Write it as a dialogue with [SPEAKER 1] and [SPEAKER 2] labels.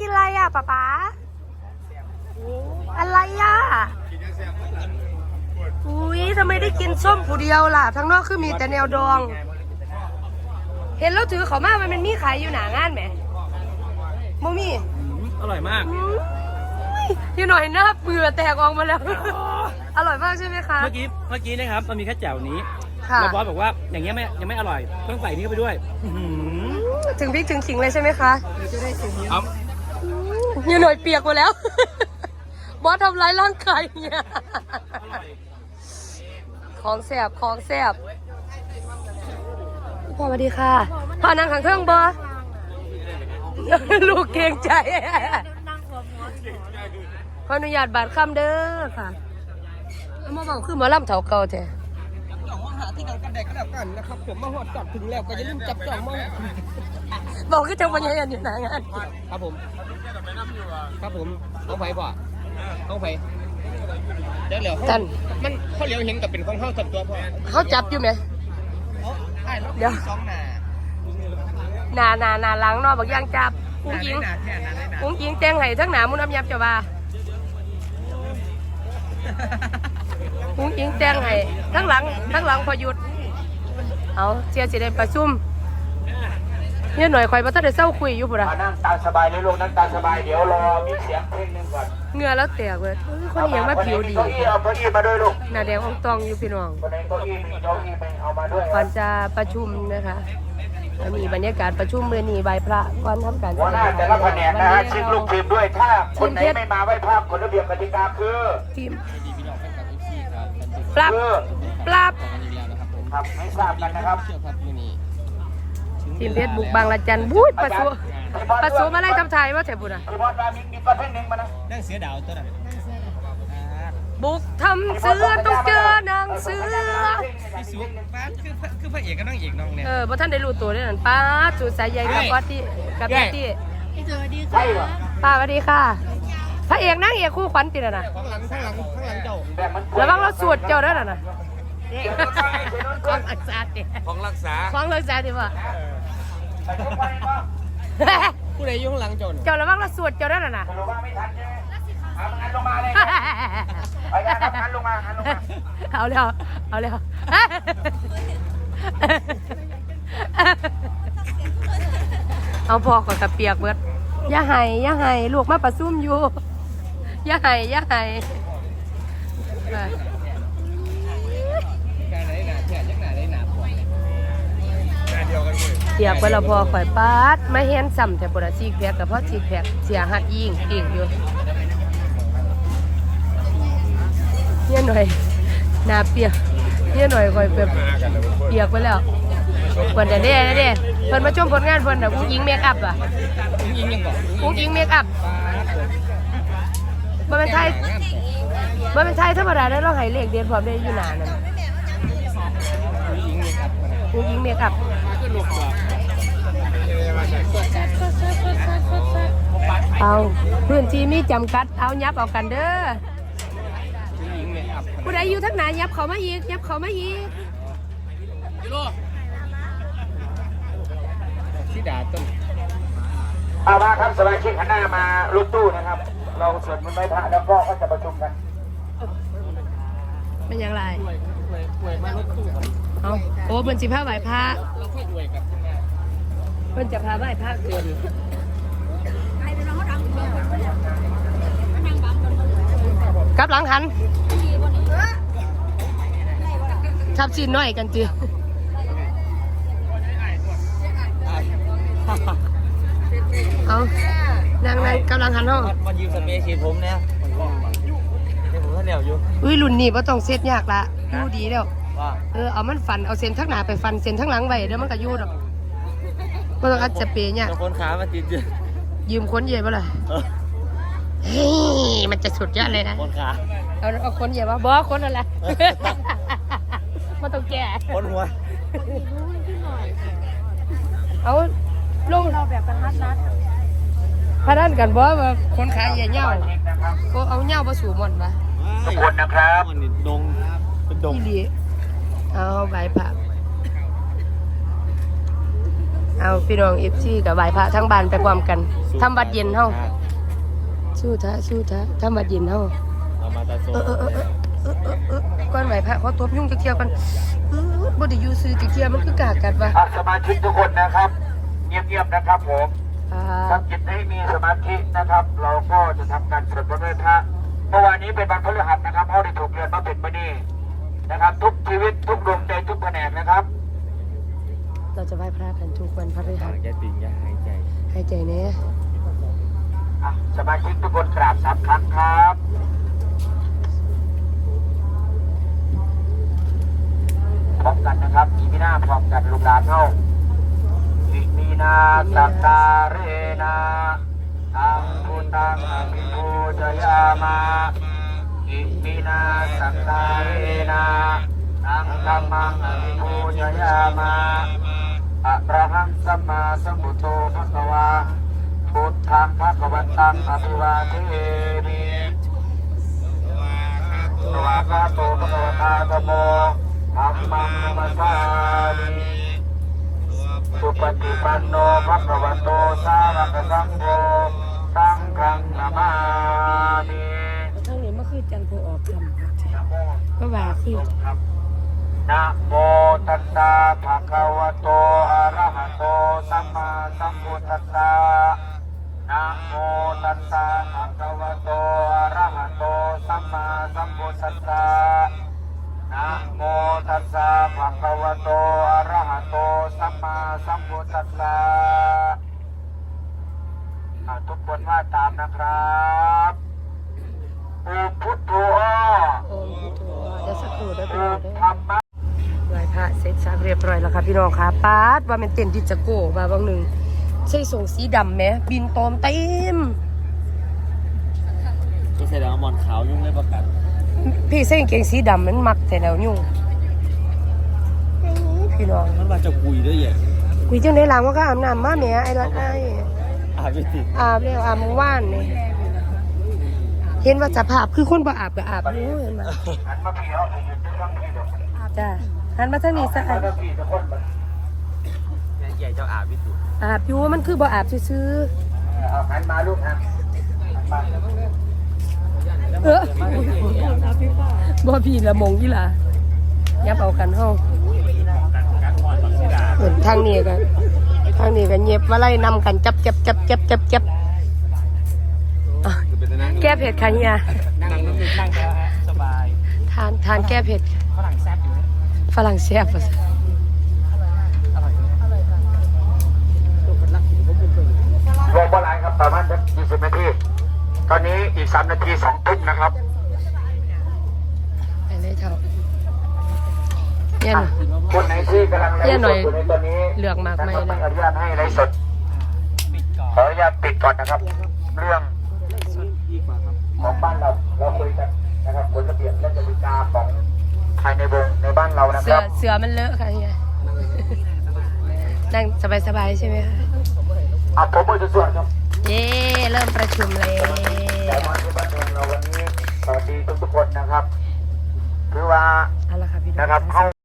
[SPEAKER 1] นอะไรอ่ะป๊าป๊าอะไรอ่ะอุ้ยทำไมได้กินส้มผู้เดียวล่ะทั้งนอกคือมีแต่แนวดองเห็นแล้วถือเขามามันมีขายอยู่หนางานไหมโมมี่
[SPEAKER 2] อร่อยมาก
[SPEAKER 1] ที่หน่อยหน้าเบื่อแตกออกมาแล้วอร่อยมากใช่ไหมคะ
[SPEAKER 2] เมื่อกี้นะครับมันมีแค่แจ่วนี้แล้วบอสบอกว่าอย่างเงี้ยยังไม่อร่อยต้องใส่นี้เข้าไปด้วย
[SPEAKER 1] ถึงพริกถึงขิงเลยใช่ไหมคะอยู่หน่อยเปียกหมดแล้วบอสทำร้ายร่างกายเนี่ยของแสบพ่อสวัสดีค่ะพ่อนั่งข้างเครื่องบอลูกเกรงใจขออนุญาตบาดคำเด้อค่ะมาบอกคือมาล่ำเถาเก่าแท้
[SPEAKER 3] หาที่กันกันแดกกันแล้วกันนะครับผมมาหอดจับถึงแล้วก็อย่าลืมจับจ่องมอง
[SPEAKER 1] บอกคือจังหวะยันอยู่หนางาน
[SPEAKER 3] ครับผมเอาไปบ่เอาไปเดี๋ยวมันเขาเลี้ยวเห็นกับเป็นของเขาสับตัวพ่อ
[SPEAKER 1] เขาจับอยู่ไหมเดี๋ยวนาล้างนอกบอกย่างจับอุ้งยิงแจ้งไห้ทั้งหนามุนอับยับจะว่าอุ้งยิงแจ้งไห้ทั้งหลังพอหยุดเอาเสียสิได้ประชุมเนี่ยหน่อยคอยมาตั้งแต่เศร้าคุยอยู่ปุ่นอะ
[SPEAKER 4] นั่งตาสบายเลยลูกนั่งตาสบายเดี๋ยวรอมีเสียงเพลงนึงก่อน
[SPEAKER 1] เงือแล้วแตกเลยคนนี้ยังมาผิวดี
[SPEAKER 4] เอาเก้าอี้มาด้วยลูก
[SPEAKER 1] หน้าแดงอ่องตองอยู่พี่น้อง
[SPEAKER 4] คนไหนเก้าอี้มีเก้าอี้ไปเอามาด้วย
[SPEAKER 1] ก่อนจะประชุมนะคะมีบรรยากาศประชุมเมื่อนี้ใบพระก่อนทำการ
[SPEAKER 4] หัวหน้าแต่ละแผนกนะฮะชิงลูกทีมด้วยถ้าคนไหนไม่มาไหว้พระกฎระเบียบกติกาคือ
[SPEAKER 1] ทีมปรับ
[SPEAKER 4] ครับไม่ทราบกันนะครับ
[SPEAKER 1] ทีมเพชรบุกบางละจันบู๊ดประสูมาไล่ทำไทยว่าแถบบุญอ่ะ
[SPEAKER 4] มีประเภทหนึ่งมานะ
[SPEAKER 3] นั่งเสือดาวตัวนั้น
[SPEAKER 1] บุกทำเสือต้องเจอนางเสือ
[SPEAKER 3] พี่สุป้าคือพระเอกกับนางเอกน้องเนี่ย
[SPEAKER 1] บ่ท่านได้รู้ตัวด้วยนั่นป้าจุดสายใยกับป้าที่กับที่
[SPEAKER 5] สวัสดีค่ะ
[SPEAKER 1] ป้าสวัสดีค่ะพระเอกนางเอกคู่ขวัญติดนะ
[SPEAKER 3] ข้างหลังเจ้า
[SPEAKER 1] แล้วบ้างเราสวดเจ้าด้วยนะของรักษาดิ
[SPEAKER 3] ของรักษา
[SPEAKER 1] ดิว่ะ
[SPEAKER 3] ผู้ใดอยู่ข้างหลัง
[SPEAKER 1] เจ้าแล้วบ้างเราสวดเจ้าด้วยนะ
[SPEAKER 4] งันลงมาเลยไปกันครับงันลงมา
[SPEAKER 1] เอาแล้วเอาพอก่อนกับเปียกเบิดอย่าให้ลูกมาประซุ่มอยู่อย่าให้เปียกเวลาพอข่อยปาดไม่เห็นซ้ำแต่ปวดซีกแพกกับเพราะซีกแพกเสียหัดยิงเก่งอยู่เนี่ยหน่อยหน้าเปียกเนี่ยหน่อยข่อยแบบเปียกไปแล้วเพิ่นเด้เพิ่นมาชมผลงานเพิ่นน่ะผู้หญิงเมคอัพอ่ะผู้หญิงเมคอัพบ่เป็นไทยธรรมดาได้เราให้เลขเด่นพร้อมได้อยู่หน้านั่นผู้หญิงเมคอัพเอาพื้นที่มีจำกัดเอายับเอากันเด้อผู้ใดอยู่ทั้งไหนยับเขามาอีก
[SPEAKER 3] ที่ด่าต้น
[SPEAKER 4] เอามาครับสมาชิกหันหน้ามาลุกตู้นะครับเราสวดมนต์ไหว้พระแล้วก็จะประชุมกัน
[SPEAKER 1] เป็นอย่างไรเอาโอ้เพิ่นสิพาไหว้พระเพิ่นจะพาไหว้พระเกินกลับหลังหันทับซีนน้อยกันจีเอานั่งกำลังหันห้อง
[SPEAKER 3] มันยืมสเปรย์ฉีดผมเนี่ยผมก็เหนียวอยู่
[SPEAKER 1] อุ้ยรุ่นนี้ว่าต้องเซ็ตยากละยู่ดีแล้วเอามันฟันเอาเส้นทั้งหน้าไปฟันเส้นทั้งหลังไว้เดี๋ยวมันก็ยู่ดอกก็ต้องอัดสเปรย์เนี่ย
[SPEAKER 3] คนขามาติด
[SPEAKER 1] ยืมคนเย่ป่ะล่ะเฮ้ยมันจะสุดยอดเลยนะ
[SPEAKER 3] คนขา
[SPEAKER 1] เอาคนเย่ป่ะบอคนอะไรมาต้องแก่
[SPEAKER 3] คนหัว
[SPEAKER 1] เอาลงเราแบบนัดพนันกันบ่ว่าคนขายเงี้ยก็เอาเงี้ยมาสู่มันปะ
[SPEAKER 4] ทุกคนนะครับ
[SPEAKER 3] ดงเป็นดง
[SPEAKER 1] นี่ดีเอาใบผักเอาพี่น้องเอฟซีกับไหว้พระทั้งบ้านไปพร้อมกันทำวัดเย็นเฮาสู้ทะทำวัดเย็นเฮา
[SPEAKER 2] เอามาตาโซ
[SPEAKER 1] ก่อนไหว้พระเขาตบยุ่งจะเที่ยวกันบ่ได้อยู่ซื้อจะเที่ยวมันคือกากัดว่ะ
[SPEAKER 4] สมาชิกทุกคนนะครับเงียบๆนะครับผม
[SPEAKER 1] ครั
[SPEAKER 4] ทำจิตให้มีสมาธินะครับ เราก็จะทำการสวดมนต์ไหว้พระเมื่อวานนี้เป็นวันพฤหัสนะครับเขาได้ถูกเรียนมาเป็นบันนี้นะครับ ทุกชีวิตทุกดวงใจทุกแผนกนะครับ
[SPEAKER 1] เราจะไหว้พระกันทุกวันพฤหัส
[SPEAKER 2] แกติ่งอย่าหายใจ
[SPEAKER 1] ให้ใจแน่
[SPEAKER 4] สมาชิกทุกคนกราบ3 ครั้งครับพร้อมกันนะครับมีหน้าพร้อมกันลูกหลานเท่าอิมีนาสักการเรนาตังพุตังอภิปูชยามาอิมีนาสักการเรนาตังธัมมังอภิปูชยามาอะระหังสัมมาสัมพุทโธภะคะวาพุทธังภะคะวันตังอภิวาเทมิสวากขาโตภะคะวตาธัมโมธัมมังนัมสสามิสุปฏิปันโนภะคะวะโตสาวกสังโฆสังฆังนามามิ
[SPEAKER 1] ทั้งนี้มันคือจันทร์ผู้ออกคำก็ว่าคือ
[SPEAKER 4] นะโมตัสสะภะคะวะโตอะระหะโตสัมมาสัมพุทธัสสะนะโมตัสสะภะคะวะโตอะระหะโตสัมมาสัมพุทธัสสะนะโมตัสสะภะคะวะโตอะระหะโตสัมมาสัมพุทธัสสะทุกคนว่าตามนะครับอุพุทโธ
[SPEAKER 1] โอมพุทโธเดี๋ยวสักครู่ได้พี่
[SPEAKER 4] อุ
[SPEAKER 1] น้องได้
[SPEAKER 4] ธรรมะ
[SPEAKER 1] ไหว้พระเสร็จสับเรียบร้อยแล้วค่ะพี่น้องค่ะปาดว่าเป็นเต็นที่จะโก้ว่าบางหนึ่งใช่ส่งสีดำไหมบินตอมเต็ม
[SPEAKER 2] ก็แสดงว่ามอนขาวยุ่งเลยประกัน
[SPEAKER 1] พี่ใส่กางเกงสีดำมันมักแต่แล้วยุ่งพี่น้อง
[SPEAKER 2] มันมาจะคุยด้วยอย่าง
[SPEAKER 1] คุยจังในหลังว่าก็อาบน้ำมาแหม่ไอ้รัดไอ้
[SPEAKER 2] ไม่ติด
[SPEAKER 1] อาบแล้วอาบเมื่อวานนี่เห็นว่าสภาพคือคนบ่อาบก็อาบอยู่เห็นไหม
[SPEAKER 4] หันมาพี่เอาผมจะต้องพี่ดอก
[SPEAKER 1] จ้าหันมาทางนี้ซะ
[SPEAKER 4] หันมาพี่จะคนมัน
[SPEAKER 2] ใหญ่เจ้าอาวิสุ
[SPEAKER 1] อาบอยู่มันคือบ่อาบซื่อ
[SPEAKER 4] เอาหันมาลูกหันมา
[SPEAKER 1] บ่พี่ละมงอีหล่ะยับเอากันเฮาเหมือนทางนี้ก็เย็บมาไล่นำกันจับอ่ะแก้เผ็ดค่ะเฮีย
[SPEAKER 2] นั่งแล้วฮะสบาย
[SPEAKER 1] ทานแก้เผ็ด
[SPEAKER 2] ฝรั่งแซ่บอยู่
[SPEAKER 1] ฝรั่งแซ่บว่ะ
[SPEAKER 4] รวมบอลไลน์ครับประมาณ20 นาทีตอนนี้อีก3 นาที2 ทุ่มนะครับ
[SPEAKER 1] ไปเลยเถอะเนี่ยหน่อย
[SPEAKER 4] คนไหนที่กำลังไลฟ์สดอยู่ในตอนนี้
[SPEAKER 1] เลือกมากไหม
[SPEAKER 4] นะครับ
[SPEAKER 1] เลย
[SPEAKER 4] ไม่อนุญาตให้ไลฟ์สด
[SPEAKER 2] ปิดก่อน
[SPEAKER 4] ขออนุญาตปิดก่อนนะครับ เรื่อง
[SPEAKER 2] ดีกว่าครับ
[SPEAKER 4] ของบ้านเราคุยกันนะครับกฎระเบียบและกติกาของภายในวงในบ้านเรานะ
[SPEAKER 1] เสื
[SPEAKER 4] ค
[SPEAKER 1] อ
[SPEAKER 4] รับ
[SPEAKER 1] เสือมันเลอะค่ะเฮียนั่งสบายใช่ไหมคะ
[SPEAKER 4] ผมมือจะส่วนครับ
[SPEAKER 1] เย้เริ่มประชุมเลย
[SPEAKER 4] แต่มาที่บ้านเมืองเราวันนี้สวัสดีทุกๆคนนะครับคือว่า
[SPEAKER 1] เอาละค่ะพี่น้อง
[SPEAKER 4] นะครับเข้า